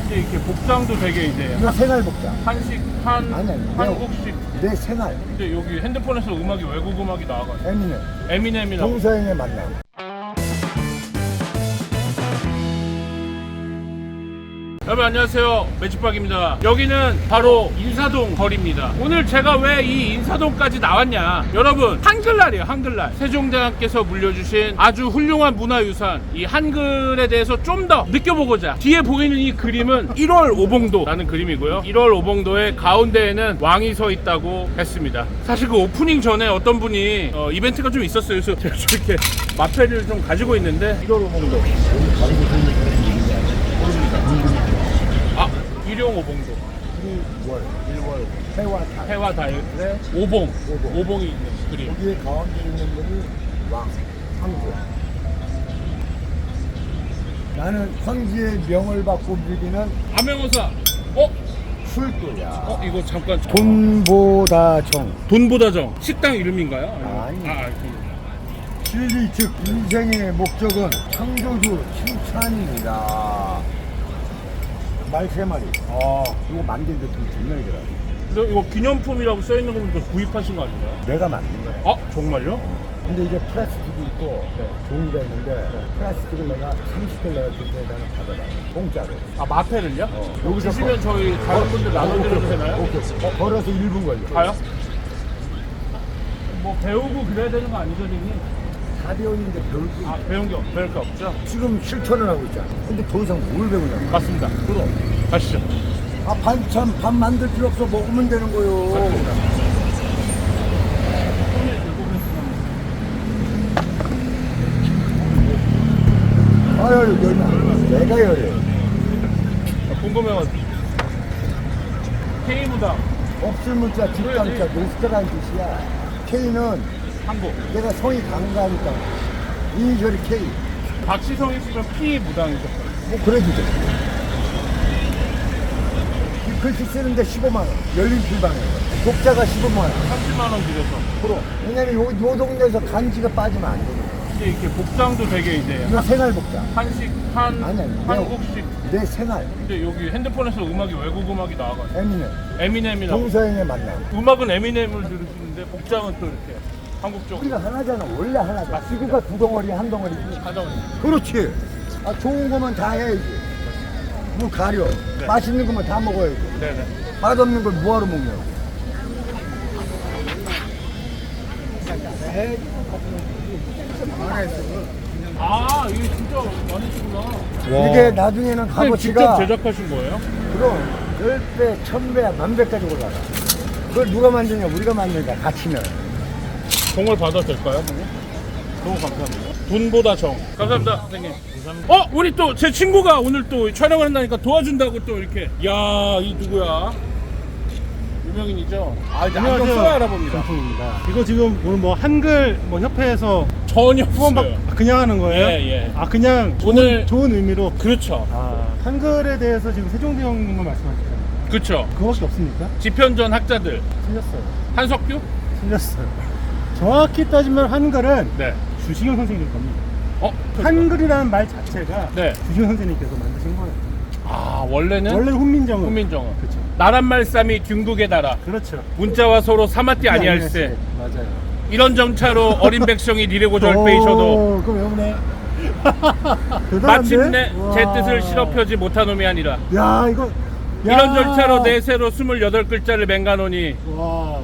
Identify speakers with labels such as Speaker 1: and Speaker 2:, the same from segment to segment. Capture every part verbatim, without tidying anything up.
Speaker 1: 근데 이렇게 복장도 되게 이제
Speaker 2: 이거 생활 복장.
Speaker 1: 한식, 한,
Speaker 2: 아니, 아니,
Speaker 1: 한국식.
Speaker 2: 내 생활.
Speaker 1: 근데 여기 핸드폰에서 음악이 외국 음악이 나와가지고
Speaker 2: 에미넴.
Speaker 1: 에미넴이라고.
Speaker 2: 동서양의 만남.
Speaker 1: 여러분 안녕하세요, 매직박입니다. 여기는 바로 인사동 거리입니다. 오늘 제가 왜 이 인사동까지 나왔냐, 여러분 한글날이에요. 한글날 세종대왕께서 물려주신 아주 훌륭한 문화유산 이 한글에 대해서 좀 더 느껴보고자 뒤에 보이는 이 그림은 일월 오봉도라는 그림이고요. 일월 오봉도의 가운데에는 왕이 서 있다고 했습니다. 사실 그 오프닝 전에 어떤 분이 어, 이벤트가 좀 있었어요. 그래서 제가 저렇게 마패를 좀 가지고 있는데 일월 오봉도 아, 일용 오봉도
Speaker 2: 일월, 일월, 해와달.
Speaker 1: 해와 달에 오봉,
Speaker 2: 오봉.
Speaker 1: 오봉이 있는 그림.
Speaker 2: 여기에 가운데 있는 분이 왕, 황제. 나는 황제의 명을 받고 누리는
Speaker 1: 암행어사. 어?
Speaker 2: 술도야.
Speaker 1: 어? 이거 잠깐.
Speaker 2: 돈보다 정.
Speaker 1: 돈보다 정. 식당 이름인가요?
Speaker 2: 아니.
Speaker 1: 아, 그.
Speaker 2: 진리 즉 인생의 목적은 창조주 칭찬입니다. 말 세 마리. 아, 이거 만든 데 좀 정말 더라.
Speaker 1: 근데 이거 기념품이라고 써 있는 거 보니까 구입하신 거 아닌가요?
Speaker 2: 내가 만든 거야.
Speaker 1: 아, 정말요?
Speaker 2: 근데 이제 플라스틱이 있고 종이가 있는데 플라스틱을 내가 삼십 달러 주고 나는 받아라. 공짜로.
Speaker 1: 아, 마패를요?
Speaker 2: 어.
Speaker 1: 여기서 주시면 저희 다른 분들 나눠드려도 되나요?
Speaker 2: 오케이. 어, 걸어서 일 분 걸려.
Speaker 1: 가요? 뭐 배우고 그래야 되는 거 아니죠, 선생님?
Speaker 2: 사 배우는데 배울 게
Speaker 1: 아, 배운 게 없, 배울 게 없죠?
Speaker 2: 지금 실천을 하고 있잖아. 근데 더 이상 뭘 배우냐고.
Speaker 1: 맞습니다.
Speaker 2: 그럼.
Speaker 1: 가시죠.
Speaker 2: 아, 반찬 밥 만들 필요 없어. 먹으면 되는 거요. 아유, 열나. 내가 열해.
Speaker 1: 궁금해가지고. K무당
Speaker 2: 없을 문자 뒷감자 노스터라는 뜻이야. K는
Speaker 1: 한국.
Speaker 2: 내가 성이 강가니까 이니셜이 K.
Speaker 1: 박시성 씨는 P 무당이셨어요.
Speaker 2: 뭐 그래도 돼. 이 글씨 쓰는데 십오만 원. 열린 필방에. 독자가 십오만 원.
Speaker 1: 삼십만 원 들여서.
Speaker 2: 프로. 왜냐면 요, 요 동네에서 간지가 빠지면 안 되거든.
Speaker 1: 근데 이렇게 복장도 되게 이제
Speaker 2: 이거 생활 복장.
Speaker 1: 한식, 한,
Speaker 2: 아니, 아니,
Speaker 1: 한국식.
Speaker 2: 내 생활.
Speaker 1: 근데 여기 핸드폰에서 음악이 외국 음악이 나와가지고
Speaker 2: 에미넴.
Speaker 1: 에미넴이라고.
Speaker 2: 동서양의 만남.
Speaker 1: 음악은 에미넴을 들으시는데 복장은 또 이렇게 한국적.
Speaker 2: 우리가 하나잖아. 원래 하나잖아. 지구가 두 덩어리 한 덩어리지.
Speaker 1: 하정이.
Speaker 2: 그렇지. 아, 좋은 거만 다 해야지. 뭐 가려.
Speaker 1: 네.
Speaker 2: 맛있는 거만 다 먹어야지.
Speaker 1: 네네.
Speaker 2: 맛없는 걸 뭐하러 먹냐고.
Speaker 1: 아, 이게 진짜 많으시구나.
Speaker 2: 이게 나중에는
Speaker 1: 선생님 직접
Speaker 2: 값어치가
Speaker 1: 제작하신 거예요?
Speaker 2: 그럼 열 배, 천 배, 만 배까지 올라가. 그걸 누가 만드냐? 우리가 만드니까 같이면.
Speaker 1: 정말 받아도 될까요, 선생님? 너무 감사합니다. 돈보다 정. 감사합니다, 선생님. 감사합니다. 어, 우리 또 제 친구가 오늘 또 촬영을 한다니까 도와준다고 또 이렇게. 야, 이 누구야? 유명인이죠? 아, 이제 안경 써야 알아봅니다.
Speaker 3: 정품입니다. 이거 지금 오늘 뭐 한글 뭐 협회에서
Speaker 1: 전혀
Speaker 3: 후원 받
Speaker 1: 없어요.
Speaker 3: 그냥 하는 거예요?
Speaker 1: 예, 예.
Speaker 3: 아 그냥 좋은,
Speaker 1: 오늘-
Speaker 3: 좋은 의미로.
Speaker 1: 그렇죠.
Speaker 3: 아 한글에 대해서 지금 세종대왕님만 말씀하셨잖아요.
Speaker 1: 그렇죠.
Speaker 3: 그거밖에 없습니까?
Speaker 1: 지편전 학자들.
Speaker 3: 틀렸어요.
Speaker 1: 한석규?
Speaker 3: 틀렸어요. 정확히 따지면 한글은
Speaker 1: 네.
Speaker 3: 주시경 선생님 겁니다.
Speaker 1: 어?
Speaker 3: 한글이라는 말 자체가
Speaker 1: 네.
Speaker 3: 주시경 선생님께서 만드신 거예요.
Speaker 1: 아, 원래는
Speaker 3: 원래 훈민정음.
Speaker 1: 훈민정음.
Speaker 3: 그렇죠.
Speaker 1: 나란 말씀이 균국에 달아
Speaker 3: 그렇죠.
Speaker 1: 문자와 서로 사마띠 아니할세.
Speaker 3: 맞아요.
Speaker 1: 이런 정차로 어린 백성이 니르고 절빼이셔도
Speaker 2: 오, 그럼 외우네.
Speaker 3: 대단한데?
Speaker 1: 마침내 제
Speaker 3: 와.
Speaker 1: 뜻을 실어펴지 못한 놈이 아니라
Speaker 2: 야, 이거.
Speaker 1: 이런 절차로 내세로 스물여덟 글자를 맹가노니.
Speaker 3: 와.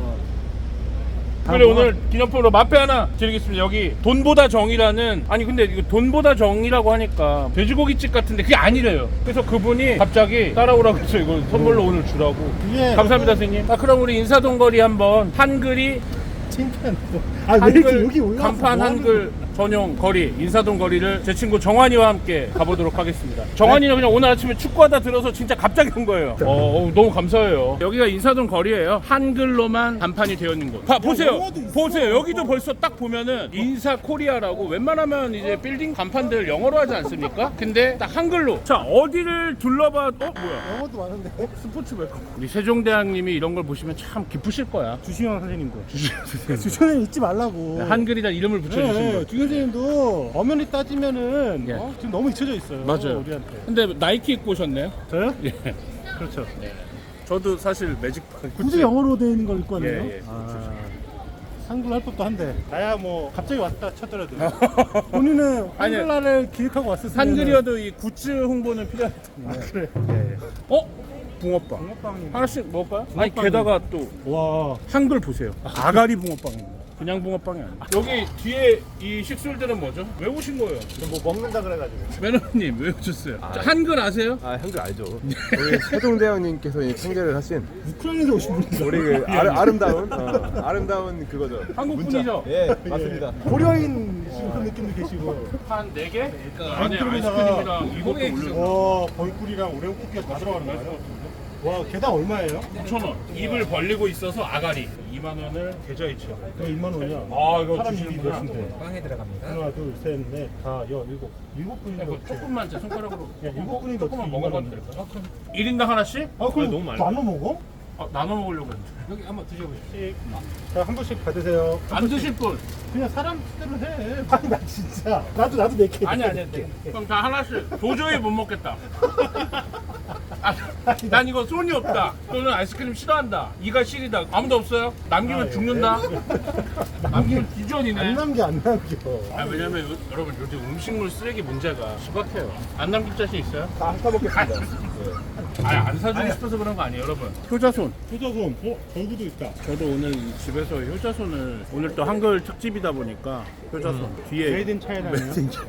Speaker 1: 그래,
Speaker 3: 아, 뭐-
Speaker 1: 오늘 기념품으로 마패 하나 드리겠습니다. 여기 돈보다 정이라는, 아니 근데 이거 돈보다 정이라고 하니까 돼지고기집 같은데 그게 아니래요. 그래서 그분이 갑자기 따라오라고 해서 이거 선물로 오늘 주라고.
Speaker 3: 이게
Speaker 1: 감사합니다, 선생님. 아, 그럼 우리 인사동 거리 한번 한글이
Speaker 3: 창피한 또. 아, 왜 이렇게
Speaker 1: 한글
Speaker 3: 여기 올라와서
Speaker 1: 간판
Speaker 3: 뭐 하는
Speaker 1: 한글 전용 거리 인사동 거리를 제 친구 정환이와 함께 가보도록 하겠습니다. 정환이는 그냥 오늘 아침에 축구하다 들어서 진짜 갑자기 온 거예요. 어, 어, 너무 감사해요. 여기가 인사동 거리예요. 한글로만 간판이 되어 있는 곳. 봐, 보세요.
Speaker 3: 영어도 있어.
Speaker 1: 보세요. 여기도 벌써 딱 보면은 인사 코리아라고, 웬만하면 이제 빌딩 간판들 영어로 하지 않습니까? 근데 딱 한글로. 자, 어디를 둘러봐도 어, 뭐야?
Speaker 3: 영어도 많은데.
Speaker 1: 스포츠 웰컴. 우리 세종대왕님이 이런 걸 보시면 참 기쁘실 거야.
Speaker 3: 주시경 선생님도.
Speaker 1: 주시경 선생님.
Speaker 3: 주시경 잊지 말라고.
Speaker 1: 한글이다 이름을 붙여주신
Speaker 3: 네,
Speaker 1: 거.
Speaker 3: 주시경 교수님도 엄연히 따지면은
Speaker 1: 예.
Speaker 3: 어? 지금 너무 잊혀져 있어요.
Speaker 1: 맞아요.
Speaker 3: 우리한테.
Speaker 1: 근데 나이키 입고 오셨네요?
Speaker 3: 저요?
Speaker 1: 예.
Speaker 3: 그렇죠.
Speaker 1: 저도 사실 매직
Speaker 3: 굳이 영어로 되어 있는 걸 입고 왔네요.
Speaker 1: 예, 예.
Speaker 3: 아, 한글 할 법도 한데. 나야 뭐 갑자기 왔다 쳤더라도. 본인은
Speaker 1: 아니,
Speaker 3: 한글날을 기획하고 왔었으면.
Speaker 1: 한글이어도 이 굿즈 홍보는 필요하기 때문에.
Speaker 3: 아, 그래. 예.
Speaker 1: 어? 붕어빵.
Speaker 3: 붕어빵이.
Speaker 1: 하나씩 먹을까요? 아니
Speaker 3: 붕어빵이-
Speaker 1: 게다가 또
Speaker 3: 와.
Speaker 1: 한글 보세요. 아가리 붕어빵입니다. 그냥 붕어빵이 아니에요. 여기 뒤에 이 식술들은 뭐죠? 왜 오신 거예요?
Speaker 3: 뭐 먹는다 그래가지고.
Speaker 1: 매너님 왜 오셨어요? 저 한글 아세요?
Speaker 4: 아 한글 알죠. 우리 세종대왕님께서 이 창제를 하신
Speaker 3: 우크라이나에서 오신 분이죠.
Speaker 4: 우리 그 아름, 아름다운 어, 아름다운 그거죠.
Speaker 1: 한국
Speaker 4: 문자.
Speaker 1: 분이죠?
Speaker 4: 예 맞습니다.
Speaker 3: 고려인 그런 느낌도 계시고.
Speaker 1: 한 네 개? 그 안에
Speaker 3: 아이스크림에다가
Speaker 1: 아이스크림이랑 이것도 올려.
Speaker 3: 와, 벌꿀이랑 오레오 쿠키가 다 들어가는 거예요? 와, 개당 얼마예요?
Speaker 1: 오천 원. 입을 벌리고 있어서 아가리. 이만 원을 계좌이체요.
Speaker 3: 이거 이만 원이야.
Speaker 1: 아, 이거
Speaker 3: 사람 입이
Speaker 1: 주시는구나.
Speaker 3: 몇인데?
Speaker 5: 빵에 들어갑니다.
Speaker 3: 하나, 둘, 셋, 넷, 다, 여, 일곱. 일곱 분인데
Speaker 1: 이거
Speaker 3: 어떻게?
Speaker 1: 조금만 제 손가락으로.
Speaker 3: 야, 일곱 분인데
Speaker 1: 조금만
Speaker 3: 어떻게
Speaker 1: 먹어봐도
Speaker 3: 이만
Speaker 1: 될까요? 일 인당 하나씩?
Speaker 3: 아, 그럼
Speaker 1: 너무 많이.
Speaker 3: 나눠 먹어?
Speaker 1: 아, 나눠 먹으려고 했는데.
Speaker 5: 여기 한번 드셔보십시오.
Speaker 3: 자, 한 분씩 받으세요.
Speaker 1: 안 드실 분?
Speaker 3: 그냥 사람 뜻대로 해. 아니, 나 진짜. 나도, 나도 네 개.
Speaker 1: 아니, 아니, 네. 그럼 다 하나씩. 도저히 못 먹겠다. 아, 난 이거 손이 없다. 또는 아이스크림 싫어한다. 이가 시리다. 아무도 없어요? 남기면
Speaker 3: 아, 예.
Speaker 1: 죽는다. 남기면
Speaker 3: 안
Speaker 1: 기존이네.
Speaker 3: 남겨, 안 남겨.
Speaker 1: 아, 왜냐면 요- 여러분 요즘 음식물 쓰레기 문제가 심각해요. 안 남길 자신 있어요?
Speaker 4: 다 사먹겠습니다.
Speaker 1: 아니 안 사주고 싶어서 그런 거 아니에요, 여러분. 효자손.
Speaker 3: 효자손. 어, 절구도 있다.
Speaker 1: 저도 오늘 이 집에서 효자손을 오늘 또 한글 특집이다 보니까 효자손 뒤에
Speaker 3: 메이드 인 차이나네요.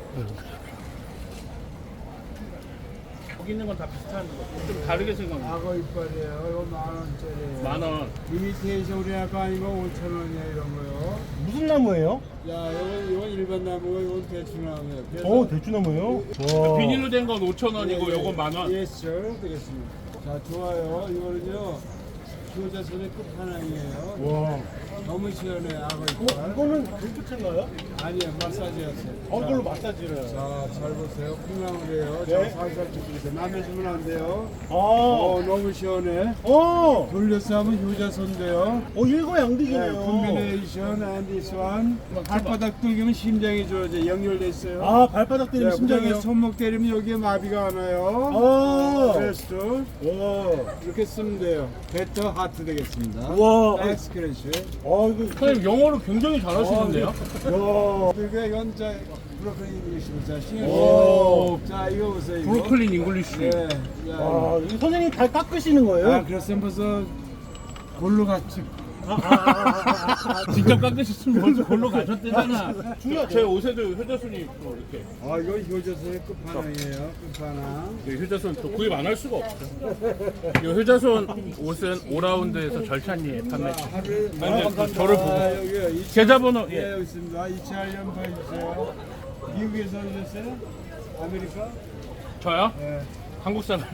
Speaker 1: 여기 있는 건 다 비슷한 거. 좀 다르게 생각해요.
Speaker 2: 악어 이빨이에요. 이거 만 원짜리예요.
Speaker 1: 만 원.
Speaker 2: 이미테이션 우리 아까 이거 오천 원이에요. 이런 거요.
Speaker 3: 무슨 나무예요?
Speaker 2: 야, 이건 이건 일반 나무고 이건 대추나무예요. 그래서
Speaker 3: 어, 대추나무예요? 와.
Speaker 1: 비닐로 된 건 오천 원이고
Speaker 2: 예, 예.
Speaker 1: 요건 만 원.
Speaker 2: 예, sir. 되겠습니다. 자, 좋아요. 이거는요. 효자손의 끝판왕이에요.
Speaker 3: 와.
Speaker 2: 너무 시원해 악어
Speaker 3: 어,
Speaker 2: 이빨.
Speaker 3: 이거는 불빛인가요?
Speaker 2: 아니요, 마사지였어요.
Speaker 3: 어, 이걸로 마사지를.
Speaker 2: 자, 잘 보세요. 콩나물이에요.
Speaker 3: 네.
Speaker 2: 자, 살살 뜯으세요. 남의 주면 안 돼요.
Speaker 3: 아.
Speaker 2: 어, 너무 시원해.
Speaker 3: 어.
Speaker 2: 돌려서 하면 효자손인데요.
Speaker 3: 어, 일거양득이네요.
Speaker 2: 네, 콤비네이션 and this one. 발바닥 뚫기면 심장이 좋아져 연결돼 있어요.
Speaker 3: 아, 발바닥 때리면
Speaker 2: 네,
Speaker 3: 심장이요?
Speaker 2: 그다음에 손목 때리면 여기에 마비가 안 와요.
Speaker 3: 아.
Speaker 2: 그래서
Speaker 3: 와.
Speaker 2: 이렇게 쓰면 돼요. 베터 하트 되겠습니다.
Speaker 3: 와.
Speaker 2: 엑스크래시.
Speaker 3: 아, 이거.
Speaker 1: 선생님 영어로 굉장히 잘하시는데요?
Speaker 3: 야.
Speaker 2: 그리고 이건 자 브로콜리 잉글리시입니다. 자, 신경
Speaker 1: 오.
Speaker 2: 쓰세요. 자, 이거 보세요. 이거.
Speaker 1: 브로콜리 잉글리시.
Speaker 2: 네. 자,
Speaker 3: 아, 이 선생님 다 깎으시는 거예요?
Speaker 2: 아, 그래서 벌써 골로 갔지.
Speaker 3: 아, 아, 아, 아, 아.
Speaker 1: 직접 깎으셨으면 벌써 골로 가셨대잖아.
Speaker 3: 중요하죠.
Speaker 1: 제 옷에도 효자손이 또 이렇게.
Speaker 2: 아, 이거 효자손의 끝판왕이에요. 끝판왕.
Speaker 1: 이 효자손 또 구입 안 할 수가 없죠. 이 효자손 옷은 오라운드에서 절찬리에 판매.
Speaker 2: 자, 하루
Speaker 1: 아니, 근데 저를 보고.
Speaker 2: 아, 여기요. 이
Speaker 1: 계좌번호
Speaker 2: 예,
Speaker 1: 예.
Speaker 2: 여기 있습니다. 이천일 년 보여주세요. 미국에서 오셨어요? 아메리카?
Speaker 1: 저요?
Speaker 2: 예.
Speaker 1: 한국 사람.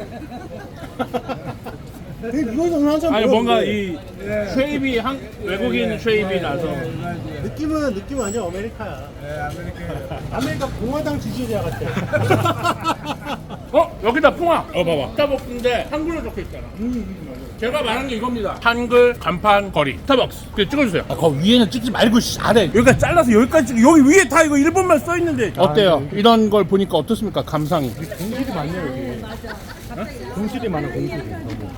Speaker 3: 이거 좀 하자.
Speaker 1: 아니
Speaker 3: 뭐,
Speaker 1: 뭔가
Speaker 3: 네.
Speaker 1: 이
Speaker 2: 예.
Speaker 1: 쉐입이 한 외국인 쉐입이 나서.
Speaker 2: 예, 맞아요.
Speaker 3: 느낌은 느낌 아니야 아메리카야.
Speaker 2: 예, 아메리카.
Speaker 3: 아메리카 공화당 지지자 같아.
Speaker 1: 어 여기다 풍화. 어 봐봐. 스타벅스인데 한글로 적혀 있잖아. 제가 말한 게 이겁니다. 한글 간판 거리 스타벅스. 그 찍어주세요. 아, 거 위에는 찍지 말고 씨, 아래 여기까지 잘라서 여기까지 찍. 여기 위에 다 이거 일본말 써 있는데. 어때요? 이런 걸 보니까 어떻습니까? 감상이.
Speaker 3: 공실이 많네요 여기. 공실이 많아 공실이. 너무.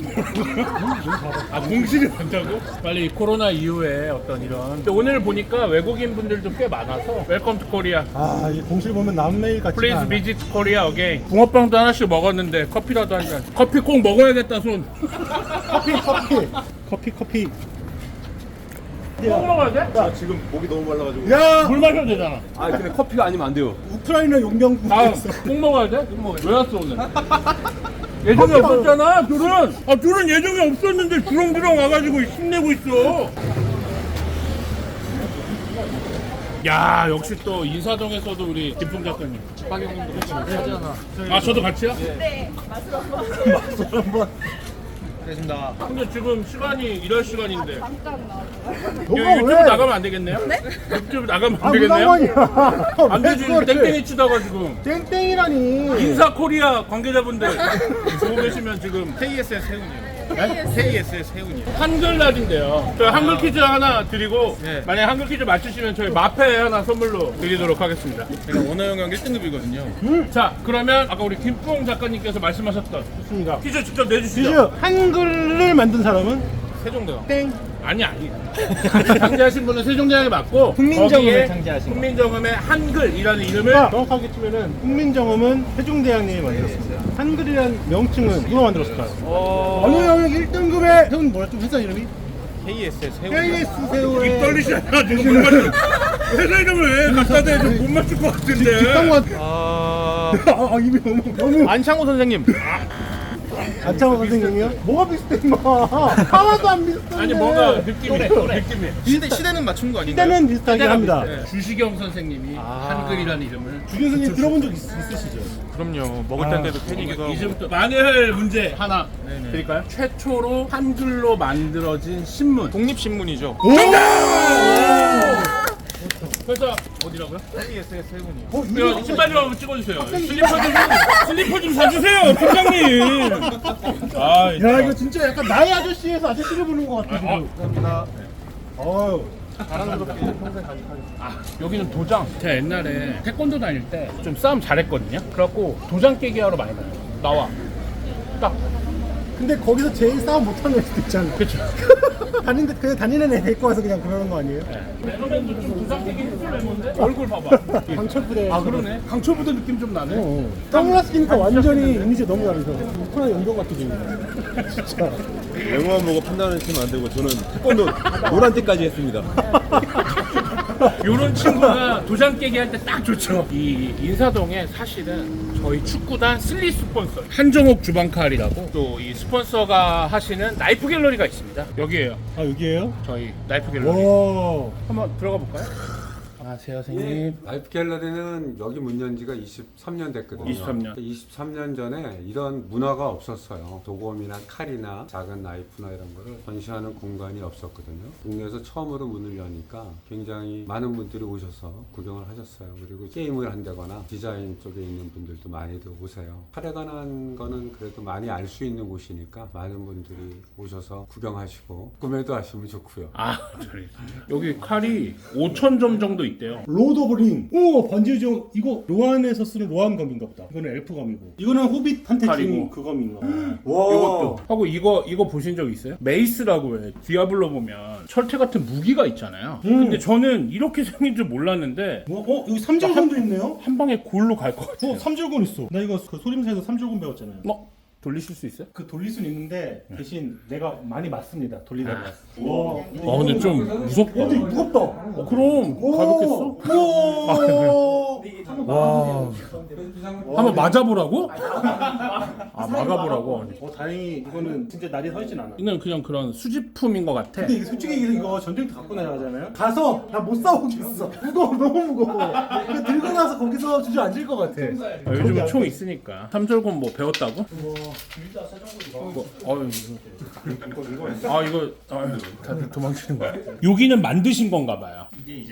Speaker 1: 아 공실이 많다고? 빨리 코로나 이후에 어떤 이런. 근데 오늘 보니까 외국인 분들도 꽤 많아서 웰컴 투 코리아.
Speaker 3: 아, 이 공실 보면 남매일 같지.
Speaker 1: 플리즈 비지트 코리아 어게인. 붕어빵도 하나씩 먹었는데 커피라도 한 잔. 커피 꼭 먹어야겠다 손.
Speaker 3: 커피 커피 커피 커피.
Speaker 1: 꼭 먹어야 돼?
Speaker 4: 아, 지금 목이 너무 말라가지고.
Speaker 3: 야,
Speaker 1: 물 마셔도 되잖아.
Speaker 4: 아 근데 커피가 아니면 안 돼요.
Speaker 3: 우크라이나 용병.
Speaker 1: 다음 꼭 먹어야 돼? 왜 왔어 오늘? 예정이 없었잖아 둘은. 아 둘은 예정이 없었는데 주렁주렁 와가지고 힘내고 있어. 야 역시 또 인사동에서도 우리 김풍 작가님.
Speaker 5: 박영님도 같이 하잖아.
Speaker 1: 아 저도 같이요?
Speaker 6: 네, 맛으로 한번.
Speaker 5: 알겠습니다.
Speaker 1: 근데 지금 시간이 이럴 시간인데
Speaker 6: 잠깐 나와줘요.
Speaker 1: 이거
Speaker 3: 너가
Speaker 1: 유튜브
Speaker 3: 왜?
Speaker 1: 나가면 안 되겠네요? 네? 유튜브 나가면 안
Speaker 3: 아,
Speaker 1: 되겠네요?
Speaker 3: 무상관이야.
Speaker 1: 안 되지 땡땡이 치다가 지금
Speaker 3: 땡땡이라니.
Speaker 1: 인사 코리아 관계자분들 보고 계시면 지금 케이에스에스 세훈이에요.
Speaker 5: 케이에스의 세훈이요.
Speaker 1: 한글날인데요. 저희 한글 퀴즈 하나 드리고
Speaker 5: 네.
Speaker 1: 만약 한글 퀴즈 맞추시면 저희 마페 하나 선물로 드리도록 하겠습니다.
Speaker 5: 제가 원어 영역 일 등급이거든요.
Speaker 1: 자, 그러면 아까 우리 김풍 작가님께서 말씀하셨던
Speaker 3: 좋습니다.
Speaker 1: 퀴즈 직접 내주시죠.
Speaker 3: 퀴즈 한글을 만든 사람은
Speaker 5: 세종대왕.
Speaker 3: 땡.
Speaker 1: 아니 아니. 창제하신 분은 세종대왕이 맞고
Speaker 5: 훈민정음을
Speaker 1: 거기에
Speaker 5: 창제하신 거.
Speaker 1: 훈민정음의 한글이라는 이름을
Speaker 3: 정확하게 치면은 훈민정음은 세종대왕님이 만들었습니다. 한글이란 명칭은 누가 만들었을까요?
Speaker 1: 어...
Speaker 3: 어느 영역 일 등급의 세훈 뭐야 좀 회사 이름이?
Speaker 5: 케이에스의 세훈.
Speaker 3: 케이에스 세훈의
Speaker 1: 입 떨리시잖아 지금 못 맞추. 회사 이름을 왜 갖다 대도 못 맞출 것 같은데.
Speaker 3: 뒷방관
Speaker 5: 아...
Speaker 3: 아 이미 너무 너무
Speaker 5: 안창호 선생님.
Speaker 3: 안창호 선생님이요? 뭐가 비슷해 임마 하나도 안 비슷한데
Speaker 1: 아니 뭔가 느낌이 느낌이.
Speaker 5: 시대, 시대는 맞춘 거 아닌가요?
Speaker 3: 시대는 비슷하게 합니다.
Speaker 1: 네. 주시경 선생님이 한글이라는 이름을
Speaker 3: 주경 선생님 들어본 적 있, 있으시죠?
Speaker 5: 그럼요. 먹을 텐데도 팬이기도 하고.
Speaker 1: 이제부터 만일 문제 하나
Speaker 5: 네네.
Speaker 1: 드릴까요? 최초로 한글로 만들어진 신문.
Speaker 5: 독립신문이죠.
Speaker 1: 회사 어디라고요?
Speaker 5: 케이에스의 세훈이요.
Speaker 3: 어,
Speaker 1: 이거 신발 좀 한번 찍어주세요. 슬리퍼 좀 슬리퍼 좀 사주세요, 팀장님. 아,
Speaker 3: 야 이거 진짜 약간 나의 아저씨에서 아저씨를 부르는 것 같아 지금.
Speaker 5: 감사합니다.
Speaker 3: 어우
Speaker 5: 자랑스럽게 평생 간직하겠습니다.
Speaker 1: 아, 여기는 도장. 제가 옛날에 태권도 다닐 때 좀 싸움 잘했거든요. 그래갖고 도장 깨기 하러 많이 가요. 나와. 딱.
Speaker 3: 근데 거기서 제일 싸움 못하는 애도 있잖아.
Speaker 1: 그쵸.
Speaker 3: 다니는데 그냥 다니는 애 데리고 와서 그냥 그러는 거 아니에요?
Speaker 1: 레노맨도 좀 도장 깨기 해줄래는데 얼굴 봐봐.
Speaker 3: 강철부대.
Speaker 1: 아 그러네. 강철부대 느낌 좀 나네.
Speaker 3: 어. 선글라스 끼니까 완전히 이미지 너무 다르죠. 코로나 연경 같아 지금. 진짜.
Speaker 4: 외모만 보고 판단하시면 안 되고 저는 태권도 노란 띠까지 했습니다.
Speaker 1: 요런 친구가 도장 깨기 할 때 딱 좋죠. 이 인사동에 사실은 저희 축구단 슬리 스폰서 한정옥 주방칼이라고 또 이 스폰서가 하시는 나이프 갤러리가 있습니다. 여기에요.
Speaker 3: 아 여기에요?
Speaker 1: 저희 나이프 갤러리.
Speaker 3: 와.
Speaker 1: 한번 들어가 볼까요? 안녕하세요, 선생님.
Speaker 7: 라이프 갤러리는 여기 문 연 지가 이십삼 년 됐거든요.
Speaker 1: 이십삼 년.
Speaker 7: 이십삼 년 전에 이런 문화가 없었어요. 도검이나 칼이나 작은 나이프나 이런 거를 전시하는 공간이 없었거든요. 국내에서 처음으로 문을 여니까 굉장히 많은 분들이 오셔서 구경을 하셨어요. 그리고 게임을 한다거나 디자인 쪽에 있는 분들도 많이들 오세요. 칼에 관한 거는 그래도 많이 알 수 있는 곳이니까 많은 분들이 오셔서 구경하시고 구매도 하시면 좋고요.
Speaker 1: 아, 저리. 여기 칼이 오천 점 정도 있대요.
Speaker 3: 로드 오브 링. 오 반지의 이거 로안에서 쓰는 로안 검인가 보다. 이거는 엘프 검이고. 이거는 호빗한테
Speaker 1: 칼이고.
Speaker 3: 주는 그 검인가 보다.
Speaker 1: 이것도 하고 이거 이거 보신 적 있어요? 메이스라고 해. 디아블로 보면 철퇴 같은 무기가 있잖아요.
Speaker 3: 음.
Speaker 1: 근데 저는 이렇게 생긴 줄 몰랐는데
Speaker 3: 어, 어 여기 삼절곤도 있네요.
Speaker 1: 한 방에 골로 갈 것 같아요.
Speaker 3: 어 삼절곤 있어. 나 이거 그 소림사에서 삼절곤 배웠잖아요.
Speaker 1: 어? 돌리실 수 있어요?
Speaker 3: 그 돌릴 수는 있는데 대신 내가 많이 맞습니다. 돌리다가. 와.
Speaker 1: 아 근데 좀 무섭다.
Speaker 3: 어, 되게 무겁다.
Speaker 1: 어, 그럼 가볍겠어?
Speaker 3: 우와.
Speaker 1: 와. 한번 맞아보라고? 아 막아보라고.
Speaker 3: 어 다행히 이거는 진짜 날이 서 있진 않아.
Speaker 1: 이건 그냥 그런 수집품인 것 같아.
Speaker 3: 근데 이게 솔직히 이거 전쟁터 갖고 나가잖아요. 가서 나 못 싸우겠어. 무거워 너무 무거워. 이거 들고 나서 거기서 주저앉을 것 같아.
Speaker 1: 아, 요즘 총 있으니까. 삼절곤 뭐 배웠다고? 뭐, 어휴, 이거. 아 이거 아유, 다들 도망치는 거야. 여기는 만드신 건가 봐요.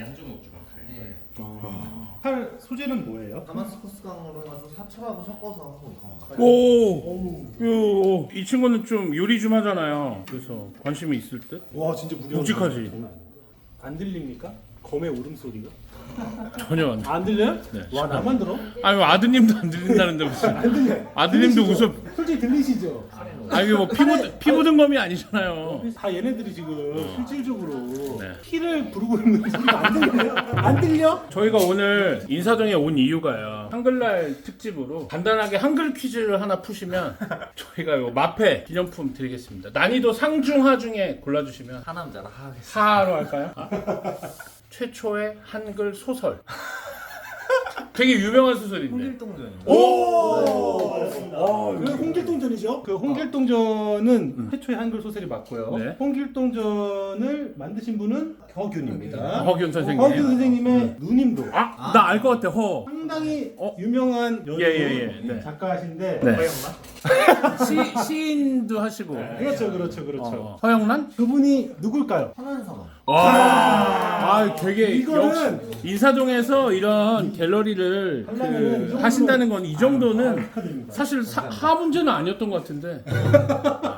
Speaker 3: 칼 소재는 뭐예요?
Speaker 8: 다마스커스 강으로 해가지고 사철하고 섞어서 하고 있어.
Speaker 1: 오, 요, 이 친구는 좀 요리 좀 하잖아요. 그래서 관심이 있을 듯?
Speaker 3: 와 진짜 무거워.
Speaker 1: 묵직하지?
Speaker 3: 안 들립니까? 검의 울음소리가?
Speaker 1: 전혀 안 돼.
Speaker 3: 안 들려요?
Speaker 1: 네.
Speaker 3: 와 나만 들어?
Speaker 1: 아니 뭐 아드님도 안 들린다는데 무슨?
Speaker 3: 안 들려.
Speaker 1: 아드님도
Speaker 3: 들리시죠?
Speaker 1: 웃어.
Speaker 3: 솔직히 들리시죠?
Speaker 1: 아니 뭐 피부 피부든 검이 아니잖아요.
Speaker 3: 다 얘네들이 지금 실질적으로
Speaker 1: 네.
Speaker 3: 피를 부르고 있는 소리가 안 들려요? 안 들려?
Speaker 1: 저희가 오늘 인사동에 온 이유가요. 한글날 특집으로 간단하게 한글 퀴즈를 하나 푸시면 저희가 요 마페 기념품 드리겠습니다. 난이도 상중하 중에 골라주시면
Speaker 8: 하남자라 하겠어.
Speaker 1: 하로 할까요? 아? 최초의 한글 소설. 되게 유명한 소설인데.
Speaker 8: 홍길동전이.
Speaker 3: 오! 그 홍길동전이죠? 그 홍길동전은 최초의 한글 소설이 맞고요.
Speaker 1: 네.
Speaker 3: 홍길동전을 만드신 분은 격윤입니다.
Speaker 1: 허균 선생님.
Speaker 3: 허균 선생님의 누님도
Speaker 1: 아, 나 알 것 같아. 허.
Speaker 3: 상당히
Speaker 1: 어?
Speaker 3: 유명한 연구
Speaker 1: 예, 예, 예. 네.
Speaker 3: 작가신데
Speaker 1: 네. 시, 시인도 하시고.
Speaker 3: 그렇죠, 그렇죠, 그렇죠.
Speaker 1: 어. 허영란?
Speaker 3: 그분이 누굴까요?
Speaker 8: 천안성어.
Speaker 1: 와, 아, 되게
Speaker 3: 이거는-
Speaker 1: 역시 인사동에서 이런 갤러리를
Speaker 3: 하려면은 이
Speaker 1: 그
Speaker 3: 정도로-
Speaker 1: 하신다는 건 이 정도는
Speaker 3: 아, 축하드립니다.
Speaker 1: 사실 사, 하 문제는 아니었던 것 같은데.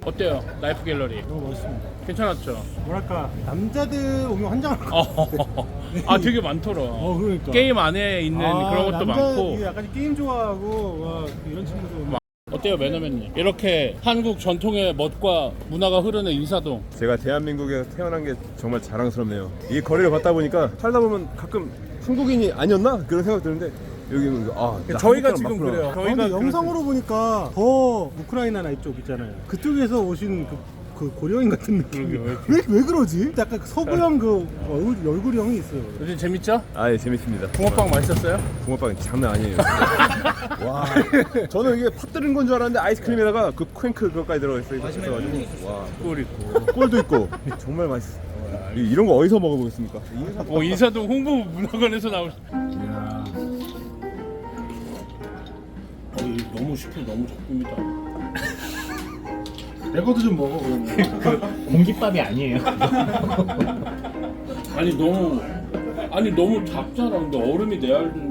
Speaker 1: 어때요? 나이프 갤러리
Speaker 3: 너무 멋있습니다.
Speaker 1: 괜찮았죠?
Speaker 3: 뭐랄까 남자들 오면 환장할 것 같아.
Speaker 1: 어, 아 되게 많더라.
Speaker 3: 어 그러니까.
Speaker 1: 게임 안에 있는
Speaker 3: 아,
Speaker 1: 그런 것도
Speaker 3: 남자,
Speaker 1: 많고.
Speaker 3: 이게 약간 게임 좋아하고 와, 이런 친구도.
Speaker 1: 어때요, 매너맨님? 이렇게 한국 전통의 멋과 문화가 흐르는 인사동.
Speaker 4: 제가 대한민국에 태어난 게 정말 자랑스럽네요. 이 거리를 걷다 보니까 살다 보면 가끔 한국인이 아니었나 그런 생각 드는데 여기는 아 나
Speaker 1: 저희가
Speaker 4: 한국 사람
Speaker 1: 지금
Speaker 4: 맞구나.
Speaker 1: 그래요.
Speaker 3: 아, 근데
Speaker 1: 저희가
Speaker 3: 영상으로 보니까 더 우크라이나나 이쪽 있잖아요. 그쪽에서 오신 그, 그 고려인 같은 느낌.
Speaker 1: 그러게요.
Speaker 3: 왜, 왜 그러지? 약간 그 서구형 그 얼굴, 얼굴형이 있어요.
Speaker 1: 요즘 재밌죠?
Speaker 4: 아, 예, 재밌습니다.
Speaker 1: 붕어빵 맛있었어요?
Speaker 4: 붕어빵 장난 아니에요. 와, 저는 이게 팥 들은 건 줄 알았는데 아이스크림에다가 그 퀸크 그것까지 들어가 있어 있어가지고 와,
Speaker 1: 꿀 있고.
Speaker 4: 꿀도 있고 정말 맛있어. 이- 이런 거 어디서 먹어보겠습니까?
Speaker 1: 어, 인사동 홍보 문화관에서 나올.
Speaker 4: 이야.
Speaker 1: 어, 이거 너무 쉽고 너무 적습니다.
Speaker 3: 내 것도 좀 먹어 그러면.
Speaker 9: 공깃밥이 아니에요.
Speaker 1: 아니 너무 아니 너무 작잖아. 근데 얼음이 내 알.